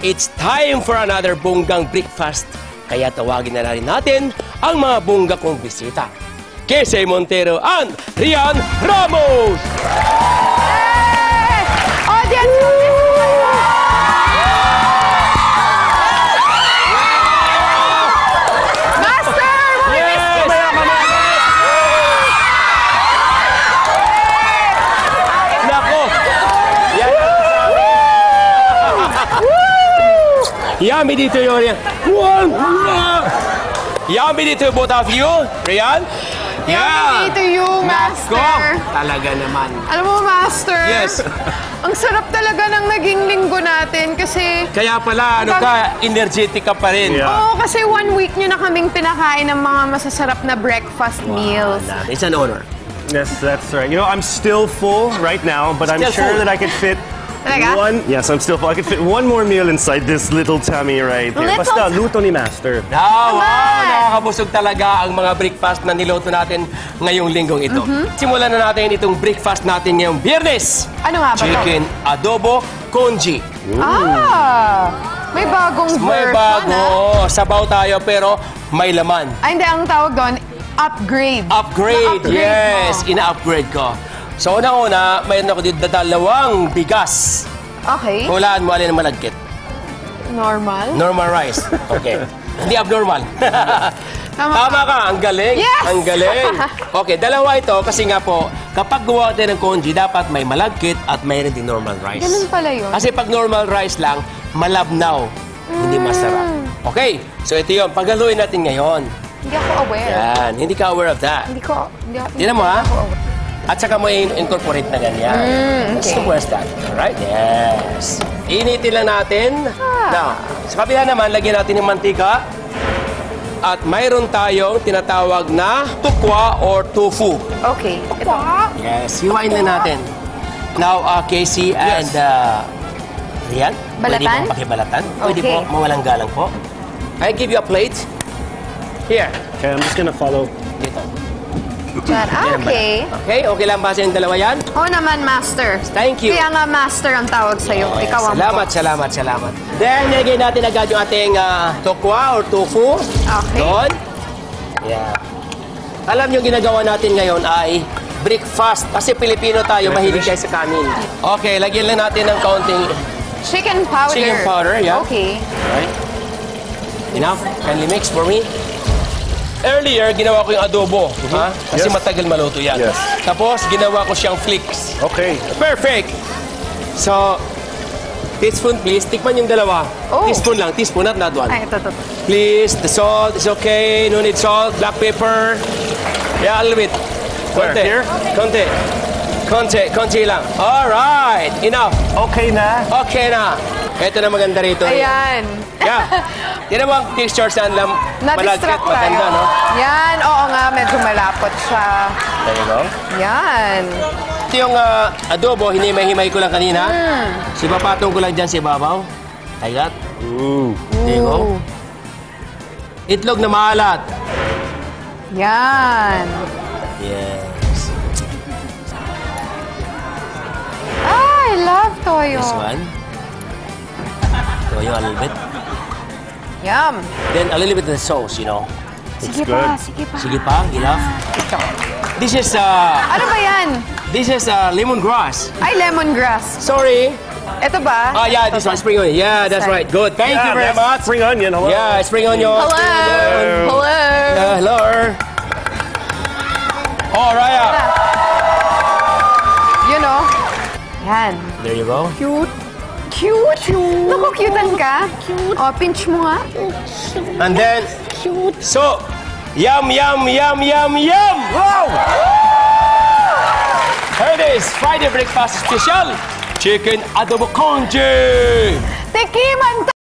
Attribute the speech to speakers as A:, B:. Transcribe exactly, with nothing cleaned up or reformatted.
A: it's time for another bonggang breakfast. Kaya tawagin na rin natin ang mga bongga kong bisita. Kesey Montero and Rian Ramos!
B: Hey! Audience! Master! We miss you so much!
A: Nako! Yan! Yummy dito yun. Yummy dito both of you. Rian?
B: Yummy to you, Master.
A: Nako! Talaga naman.
B: Alam mo, Master?
A: Yes.
B: Ang sarap talaga ng naging linggo natin kasi...
A: Kaya pala, ano ka, energetic ka pa rin.
C: Yeah.
B: Oo, kasi one week nyo na kaming pinakain ng mga masasarap na breakfast meals.
A: Wow, it's an honor.
C: Yes, that's right. You know, I'm still full right now, but I'm
A: Still
C: sure
A: full?
C: that I could fit
B: Talaga?
C: one. Yes, I'm still full. I could fit one more meal inside this little tummy right here.
B: Little
C: Basta
B: tum-
C: luto ni Master.
A: Wow, wow,
B: Naman!
A: nakakabusog talaga ang mga breakfast na niloto natin ngayong linggong ito. Simulan na natin itong breakfast natin ngayong Biyernes.
B: Ano nga ba to?
A: Chicken adobo congee.
B: Ah! May bagong
A: May
B: version,
A: bago.
B: ah.
A: Sabaw tayo pero may laman.
B: Ay, hindi. Ang tawag doon, upgrade.
A: Upgrade,
B: Na-upgrade
A: yes.
B: mo.
A: Ina-upgrade ko. So, unang-una, mayroon ako dito dalawang bigas.
B: Okay.
A: Hulaan mo alin ang malagkit.
B: Normal.
A: Normal rice. Okay. Hindi abnormal.
B: Tama
A: Tama ka. Ang galing.
B: Yes!
A: Ang galing. Okay, dalawa ito kasi nga po, kapag gawa tayo ng congee, dapat may malagkit at mayroon din normal rice.
B: Ganun pala yun.
A: Kasi pag normal rice lang, malabnaw. Hindi masarap. Okay, so ito yun. Paghaluin natin ngayon.
B: Hindi ako aware.
A: Yan. Hindi ka aware of that.
B: Hindi ko... Hindi, ako-
A: Tingnan mo, ha?
B: hindi ako aware.
A: At saka mo i-incorporate na ganyan.
B: Mm, okay.
A: So, where's that? Alright, yes. Initin lang natin.
B: Ah.
A: Now, sa kabila naman, lagyan natin ng mantika. At mayroon tayong tinatawag na tukwa or tofu.
B: Okay. Ito.
A: Yes, hiwain lang natin. Now, uh, Kesey and uh, Rian, pwede
B: Balatan?
A: pong pakibalatan. Pwede
B: Okay.
A: po, mawalang galang po. I give you a plate. Here.
C: Okay, I'm just gonna follow.
A: Dito.
B: Diyan. Ah, okay.
A: Okay, okay lang ba sa yung dalawa yan?
B: Oo naman, Master.
A: Thank you.
B: Kaya nga, Master ang tawag sa'yo.
A: Okay,
B: Ikaw ang
A: salamat,
B: boss.
A: salamat, salamat. Then, nilagay natin agad yung ating uh, tokwa or tofu.
B: Okay.
A: Doon. Yeah. Alam niyo, ginagawa natin ngayon ay breakfast. Kasi Pilipino tayo, mahilig tayo sa kanin. Okay, lagyan lang natin ng kaunting
B: Chicken powder.
A: chicken powder. Yeah.
B: Okay.
A: Right. Enough. Kindly mix for me. Earlier, ginawa ko yung adobo. Ha? Kasi
C: Yes.
A: matagal maluto yan.
C: Yes.
A: Tapos, ginawa ko siyang flakes.
C: Okay.
A: Perfect! So, teaspoon please. Tikman yung dalawa.
B: Oh.
A: Teaspoon lang. Teaspoon, not that one.
B: Ay, ito, ito.
A: Please, the salt is okay. No need salt. Black pepper. Yeah, a little bit.
C: Where?
A: Konti.
C: Here?
A: Konti. Konti. Konti lang. Alright. Enough.
C: Okay na.
A: Okay na. Ito na maganda rito.
B: Ayan.
A: Yeah. Tinan mo ang texture saan lang malagkit.
B: Na-distract tayo.
A: Maganda, no?
B: Yan. Oo nga, medyo malapot siya.
A: There you go.
B: Yan.
A: Ito yung ah, adobo, hinimay-himay ko lang kanina.
B: Mm.
A: Sipapatong ko lang dyan sa ibabaw. Like that.
C: Ooh.
A: There you go.
B: Ooh.
A: Itlog na maalat.
B: Yan.
A: Yes.
B: Ah, I love toyo.
A: This one. Toyo a little bit.
B: Yum.
A: Then a little bit of the sauce, you know.
B: Sige
C: good.
B: pa, sige pa.
A: Sige pa, enough.
B: Ito.
A: This is, uh,
B: Ano ba yan?
A: this is uh, lemongrass.
B: Ay, lemongrass.
A: Sorry.
B: Ito ba?
A: Ah, yeah, this one, spring onion. Yeah, that's
B: Sorry.
A: right. Good. Thank you
C: Yeah,
A: very
C: that's
A: much.
C: Spring onion. Hello.
A: Yeah, spring onion.
B: Hello. Hello.
A: Uh, hello. Oh, Raya.
B: You know? Yan.
A: There you go.
B: Cute. Cute. Cute. Naku, cutean ka. Cute. O, pinch mo nga.
A: And then, so, yum, yum, yum, yum, yum. Wow! Here it is, Friday breakfast special. Chicken adobo congee.
B: Tikiman